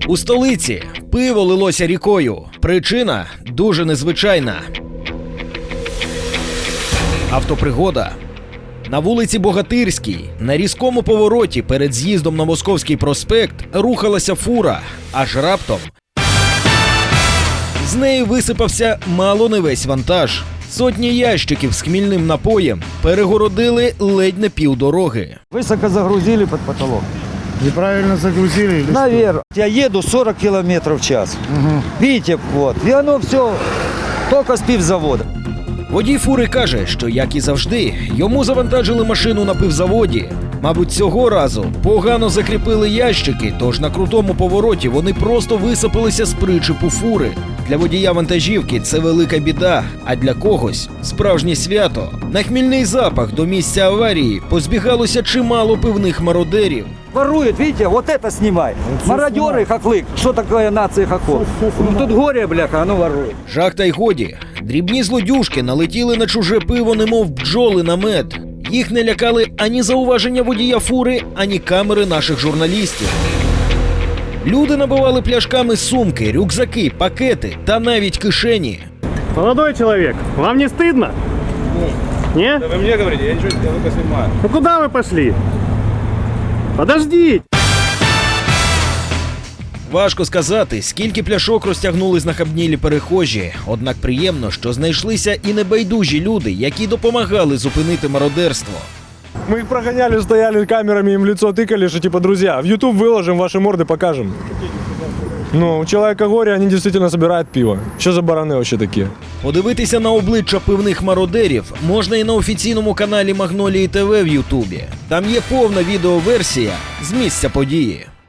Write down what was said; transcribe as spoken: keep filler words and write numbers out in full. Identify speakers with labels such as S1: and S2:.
S1: У столиці пиво лилося рікою. Причина дуже незвичайна. Автопригода. На вулиці Богатирській, на різкому повороті перед з'їздом на Московський проспект рухалася фура, аж раптом з неї висипався мало не весь вантаж. Сотні ящиків з хмільним напоєм перегородили ледь не півдороги.
S2: Высоко загрузили под потолок.
S3: Неправильно загрузили? Или
S2: Наверное. Я еду сорок километров в час.
S3: Угу.
S2: Видите, вот. И оно все только с пивзавода.
S1: Водій фури каже, що, як і завжди, йому завантажили машину на пивзаводі. Мабуть, цього разу погано закріпили ящики, тож на крутому повороті вони просто висипалися з причепу фури. Для водія вантажівки це велика біда, а для когось – справжнє свято. На хмільний запах до місця аварії позбігалося чимало пивних мародерів.
S2: Воруют, видите, вот это снимай. Мародеры, хохлык. Что такое нация хохлов? Ну, тут горе, бляха, оно ворует.
S1: Жах та й годі. Дрібні злодюжки налетіли на чуже пиво, немов бджоли на мед. Їх не лякали ані зауваження водія фури, ані камери наших журналістів. Люди набивали пляшками сумки, рюкзаки, пакети та навіть кишені.
S4: Молодой человек, вам не стыдно? Не?
S5: Да вы мне говорите, я ничего, я только снимаю.
S4: Ну куда вы пошли? Подождите!
S1: Важко сказати, скільки пляшок розтягнули знахабнілі перехожі. Однак приємно, що знайшлися і небайдужі люди, які допомагали зупинити мародерство.
S3: Мы их прогоняли, стояли камерами, им в лицо тыкали, что типа, друзья, в YouTube выложим, ваши морды покажем. Ну, у человека горе, они действительно собирают пиво. Что за бараны вообще такие?
S1: Подивитися на обличчя пивних мародерів можна і на офіційному каналі Магнолії ТВ в Ютубі. Там є повна відеоверсія з місця події.